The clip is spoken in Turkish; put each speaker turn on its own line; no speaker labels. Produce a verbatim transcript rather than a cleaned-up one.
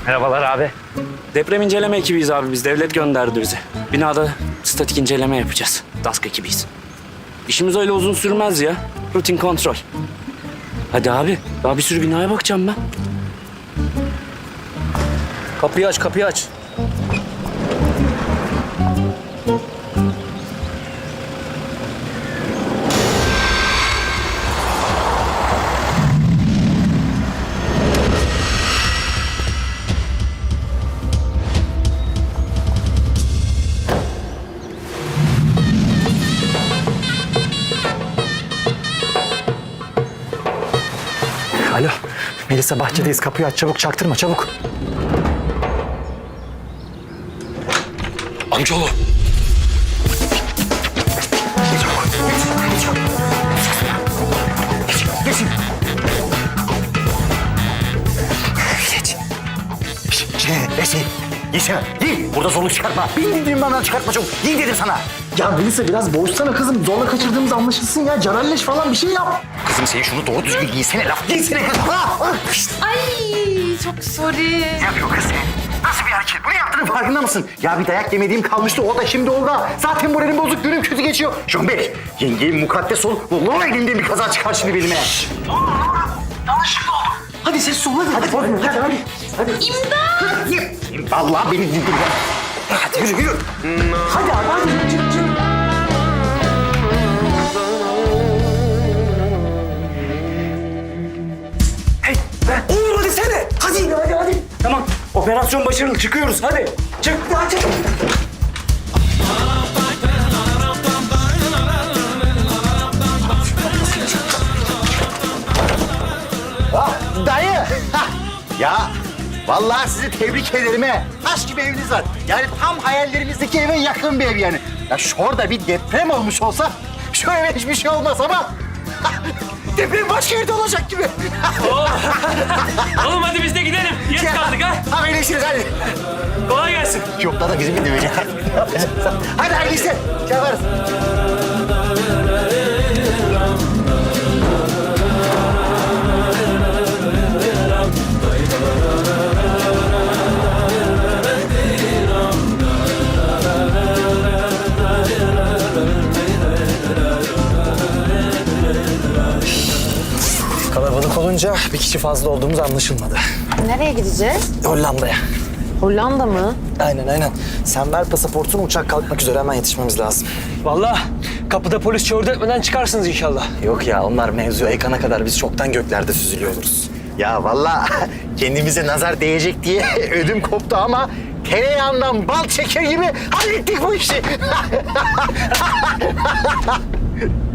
Merhabalar abi. Deprem inceleme ekibiyiz abi biz. Devlet gönderdi bizi. Binada statik inceleme yapacağız. DASK ekibiyiz. İşimiz öyle uzun sürmez ya. Rutin kontrol. Hadi abi. Daha bir sürü binaya bakacağım ben.
Kapıyı aç, kapıyı aç.
Alo, Melisa bahçedeyiz. Kapıyı aç, çabuk çaktırma, çabuk.
Amcaoğlu.
Geçin. Geç. Şey, şey, Yeşil, giy. Burada zorluk çıkartma. Bin dediğim benden çıkartma çabuk. Giy dedim sana. Ya Melisa biraz boğuşsana kızım. Zorla kaçırdığımız anlaşılsın ya. Canalleş falan bir şey yap.
Kızım sen şunu doğru düzgün giysene laf. Giysene kızım.
Ay çok sorry.
Yapıyor kız sen. Nasıl bir hareket? Bunu yaptığının farkında mısın? Ya bir dayak yemediğim kalmıştı. O da şimdi orada. Zaten moralim bozuk. Günüm kötü geçiyor. Şun Bey, yengeyim mukaddes ol. Vallahi elimden bir kaza çıkar şimdi belime. Ne oldu? Yanlışlıkla oldu. Hadi ses ol hadi. Hadi hadi hadi. Hadi. hadi. İmdat! Vallahi beni dinle. Hadi yürü yürü. Hadi abi hadi yürü yürü. yürü. Hey ben. Oğlum hadi sene. Hadi hadi hadi.
Tamam. Operasyon başarılı. Çıkıyoruz. Hadi.
Çık hadi çık. Ah, dayı. Hah. Ya vallahi sizi tebrik ederim he. Taş gibi eviniz var. Yani tam hayallerimizdeki eve yakın bir ev yani. Ya şurada bir deprem olmuş olsa şu eve hiçbir şey olmaz ama deprem başka yerde olacak gibi.
Oğlum hadi biz de gidelim. Geç kaldık ha.
Haberleşiriz hadi.
Kolay gelsin.
Yok da bizim bir dövecek. Hadi hayırlı işler. Şey yaparız. Kalabalık olunca bir kişi fazla olduğumuz anlaşılmadı.
Nereye gideceğiz?
Hollanda'ya.
Hollanda mı?
Aynen aynen. Sen ver pasaportunu, uçak kalkmak üzere, hemen yetişmemiz lazım.
Vallahi kapıda polis çördü etmeden çıkarsınız inşallah.
Yok ya, onlar mevzuya yıkana kadar biz çoktan göklerde süzülüyor oluruz. Ya vallahi kendimize nazar değecek diye ödüm koptu ama tereyağından bal çeker gibi hallettik bu işi.